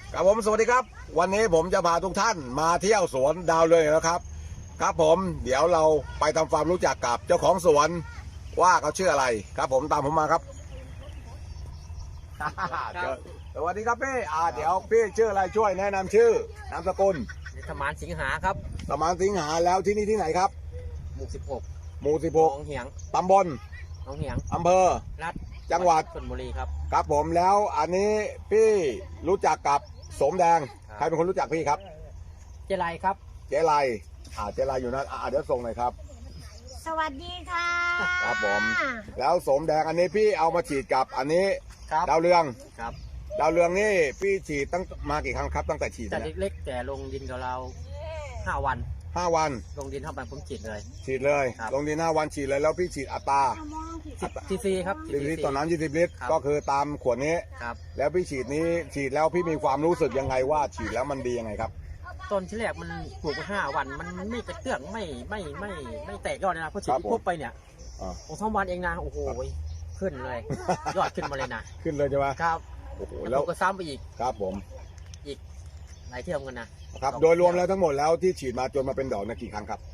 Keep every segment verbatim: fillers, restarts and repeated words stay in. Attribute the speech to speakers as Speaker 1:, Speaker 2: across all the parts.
Speaker 1: ครับผมสวัสดีครับวันนี้ผมจะพาทุกท่านมาเที่ยวสวนดาวเรืองนะครับครับผมเดี๋ยวเราไปทำความรู้จักกับเจ้าของสวนว่าเขาชื่ออะไรครับผมตามผมมาครับ สวัสดีครับพี่อ่าเดี๋ยวพี่ชื่ออะไรช่วยแนะนำชื่อนามสกุล
Speaker 2: สมานสิงหาครับ
Speaker 1: สมานสิงหาแล้วที่นี่ที่ไหนครับ
Speaker 2: หมู่สิบหก
Speaker 1: หมู่สิบหก
Speaker 2: หนองเหียง
Speaker 1: ตำบล
Speaker 2: หนองเหียง
Speaker 1: อำเภอ
Speaker 2: รัฐ
Speaker 1: จังหวัด
Speaker 2: ชลบุรีครับ
Speaker 1: ครับผมแล้วอันนี้พี่รู้จักกับสมแดงใครเป็นคนรู้จักพี่ครับ
Speaker 2: เจไรครับ
Speaker 1: เจไรอ่าเจไรอยู่นั่นอ่าเดี๋ยวส่งหน่อยครับ
Speaker 3: สวัสดีค่ะ
Speaker 1: ครับผมแล้วสมแดงอันนี้พี่เอามาฉีดกับอันนี้
Speaker 2: ครับ
Speaker 1: ดาวเรือง
Speaker 2: ครับ
Speaker 1: ดาวเรืองนี่พี่ฉีดตั้งมากี่ครั้งครับตั้งแต่ฉีด
Speaker 2: แต่เล็กๆแต่ลงดินกับเราห้าวัน
Speaker 1: ห้าวัน
Speaker 2: ลงดินเท่าไปผมฉีดเลย
Speaker 1: ฉีดเลยลงดินห้าวันฉีดเลยแล้วพี่ฉีดอัตรา
Speaker 2: ทีซีครับ
Speaker 1: สิบลิตรต่อน้ำยี่สิบลิตรก็คือตามขวดนี้
Speaker 2: ครับ
Speaker 1: แล้วพี่ฉีดนี้ฉีดแล้วพี่มีความรู้สึกยังไงว่าฉีดแล้วมันดียังไงครับ
Speaker 2: ต้นที่แรกมันปลูกมาห้าวันมันไม่กระเตื้องไม่ไม่ไม่ไม่แตกยอดนะพอฉีดปุ๊บไปเนี่ยของสองวันเองนะโอ้โหขึ้นเลยยอดขึ้นมาเลยนะ
Speaker 1: ขึ้นเลยใช่ไหม
Speaker 2: ครับโอ้โหแล้วก็ซ้ำไปอีก
Speaker 1: ครับผม
Speaker 2: อีกหลายเที่ยวกันนะครับ
Speaker 1: โดยรวมแล้วทั้งหมดแล้วที่ฉีดมาจนมาเป็นดอกนะกี่ครั้งครับ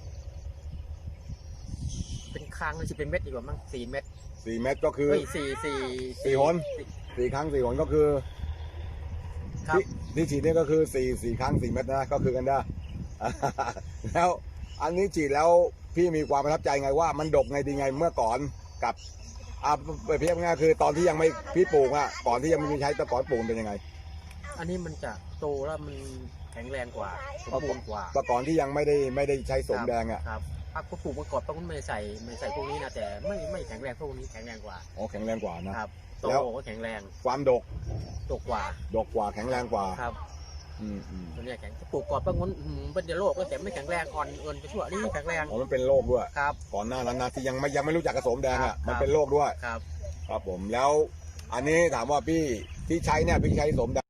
Speaker 2: เป็นครั้งหรือจะเป็นเม็ดดีกว่ามั้งสี่เม็ด
Speaker 1: สี่เม็ดก็คือ
Speaker 2: สี่สี่
Speaker 1: สี่หนสี่ครั้งสี่หนก็คือที่ที่ฉีดนี่ก็คือสี่สี่ครั้งสี่เม็ดนะก็คือกันได้แล้วอันนี้ฉีดแล้วพี่มีความประทับใจไงว่ามันดกไงดีไงเมื่อก่อนกับอ่าไปเพียบง่ายคือตอนที่ยังไม่พี่ปลูกอ่ะก่อนที่ยังไม่มีใช้ตะกอนปลูกเป็นยังไง
Speaker 2: อันนี้มันจะโตแล้วมันแข็งแรงกว่าสมบูรณ์กว่า
Speaker 1: ตะกอนที่ยังไม่ได้ไม่ได้ใช้สมแดงอ่ะ
Speaker 2: ครับถ้าปลูกมาก่อนต้องไม่ใส่ไม่ใส่พวกนี้นะแต่ไม่ไม่แข็งแรงพวกนี้แข็งแรงกว่า
Speaker 1: อ๋อแข็งแรงกว่านะครับ
Speaker 2: โตก็แข็งแรง
Speaker 1: ความดก
Speaker 2: ดกกว่า
Speaker 1: ดกกว่าแข็งแรงกว่า
Speaker 2: ครับ
Speaker 1: อืมอืม
Speaker 2: ตัวนี้แข็งปลูกก่อนบางคนเป็นเดโรคก็แต่ไม่แข็งแรงอ่อนเอินไปชั่วนี่แข็งแรง
Speaker 1: อ๋อมันเป็นโรคด้วย
Speaker 2: ครับ
Speaker 1: ก่อนหน้านั้นนะที่ยังไม่ยังไม่รู้จักกระสมแดงอ่ะมันเป็นโรคด้วย
Speaker 2: ครับ
Speaker 1: ครับผมแล้วอันนี้ถามว่าพี่ที่ใช้เนี่ยพี่ใช้สมแดง